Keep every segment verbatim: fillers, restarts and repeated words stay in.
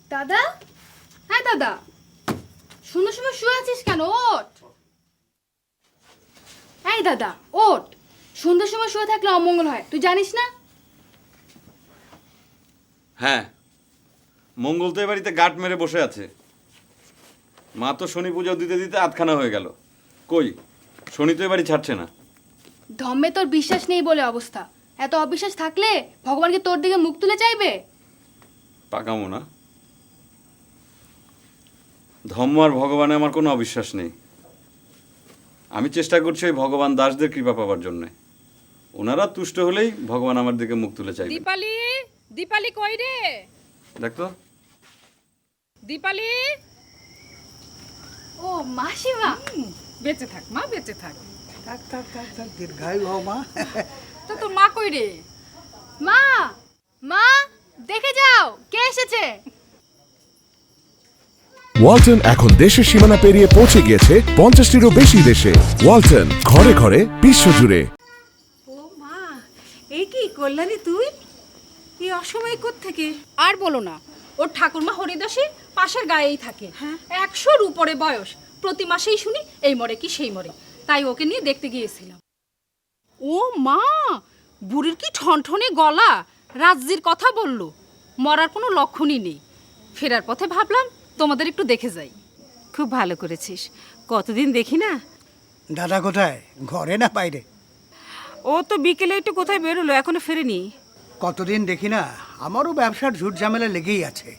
দাদা, হ্যাঁ দাদা, সন্ধ্যার সময় শুয়ে আছিস কেন? ওঠ। এই দাদা ওঠ, সন্ধ্যার সময় শুয়ে থাকলে অমঙ্গল হয়, তুই জানিস না? হ্যাঁ, মঙ্গল তো এ বাড়িতে গাঁট মেরে বসে আছে। মা তো শনি পুজো দিতে দিতে আধখানা হয়ে গেল। কই, শনি তো এ বাড়ি ছাড়ছে না। ধম্মে তোর বিশ্বাস নেই বলে অবস্থা। এত অবিশ্বাস থাকলে ভগবানকে তোর দিকে মুখ তুলে চাইবে? পাকামো না, ধম্ম আর ভগবানে আমার কোনো অবিশ্বাস নেই। আমি চেষ্টা করছি ওই ভগবান দাসদের কৃপা পাওয়ার জন্য। ওনারা তুষ্ট হলেই ভগবান আমার দিকে মুখ তুলে চাইবে। দীপালি, দীপালি কই রে? দেখ তো। দীপালি, ও মাসিমা, বেঁচে থাক মা, বেঁচে থাক। থাক থাক থাক থাক দীর্ঘায়ু হও মা। তো তোর মা কই রে? মা, মা দেখে যাও কে এসেছে। ওয়ালটন এখন দেশের সীমানা পেরিয়ে পৌঁছে গিয়েছে পঞ্চাশটিরও বেশি দেশে। ওয়ালটন, ঘরে ঘরে বিশ্বজুড়ে। ও মা, এই কি কল্যাণী তুই এই অসময়ে কোত্থেকে? আর বলো না, ওর ঠাকুরমা হরিদাসী পাশের গায়েই থাকে। একশোর উপরে বয়স, প্রতি মাসেই শুনি এই মরে কি সেই মরে, তাই ওকে নিয়ে দেখতে গিয়েছিলাম। ও মা, বুড়ির কি ঠনঠনে গলা, রাজ্যের কথা বলল, মরার কোনো লক্ষণই নেই। ফেরার পথে ভাবলাম তোমাদের একটু দেখে যাই। খুব ভালো করেছিস, কতদিন দেখি না। দাদা কোথায়, ঘরে না বাইরে? ও তো বিকেলে একটু কোথায় বেরোলো, এখনো ফেরেনি। কতদিন দেখি না, আমারও ব্যবসার ঝুট ঝামেলা লেগেই আছে।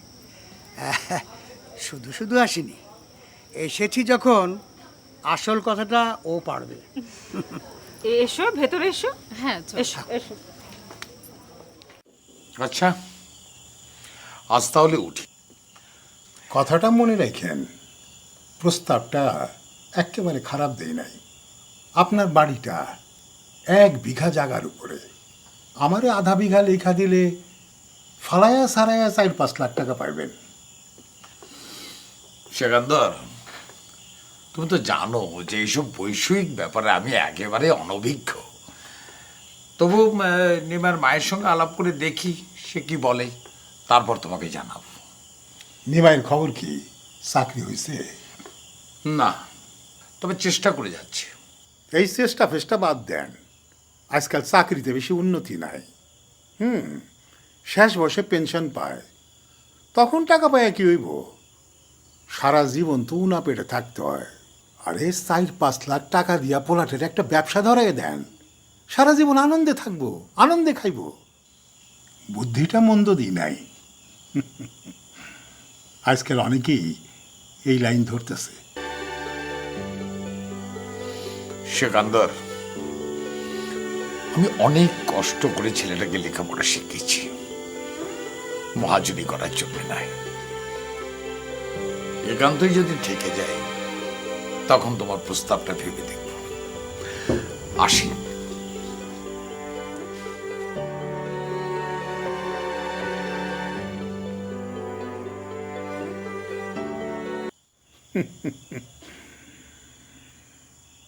শুধু শুধু আসিনি, এসেছি যখন আসল কথাটা ও পারবে। এসো ভেতরে এসো। হ্যাঁ এসো এসো। আচ্ছা, আজ তাহলে উঠি। কথাটা মনে রাখেন, প্রস্তাবটা একেবারে খারাপ দেই নাই। আপনার বাড়িটা এক বিঘা জায়গার উপরে, আমারে আধা বিঘা লেখা দিলে ফালায়া সারায়া চার পাঁচ লাখ টাকা পাইবেন। সেকান্দর, তুমি তো জানো যে এইসব বৈষয়িক ব্যাপারে আমি একেবারে অনভিজ্ঞ। তবু নিমার মায়ের সঙ্গে আলাপ করে দেখি সে কি বলে, তারপর তোমাকে জানাবো। নিমাইয়ের খবর কি, চাকরি হয়েছে? না, তবে চেষ্টা করে যাচ্ছি। এই চেষ্টা ফেষ্টা বাদ দেন, আজকাল চাকরিতে বেশি উন্নতি নাই। হুম, শেষ বয়সে পেনশন পায়, তখন টাকা পায় কি হইব? সারা জীবন তো উনা পেটে থাকতে হয়। আরে চার পাঁচ লাখ টাকা দিয়া পোলাটের একটা ব্যবসা ধরাই দেন, সারা জীবন আনন্দে থাকবো, আনন্দে খাইব। বুদ্ধিটা মন্দ দিই নাই। আজকাল অনেকেই এই লাইন ধরতেছে। সেকান্দর, আমি অনেক কষ্ট করে ছেলেটাকে লেখাপড়া শিখেছি, মহাজনী করার জন্য নাই। একান্তই যদি থেকে যায়, তখন তোমার প্রস্তাবটা ভেবে দেখব। আসি।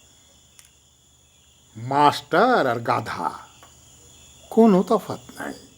মাস্টার আর গাধা কোনো তফাৎ নাই।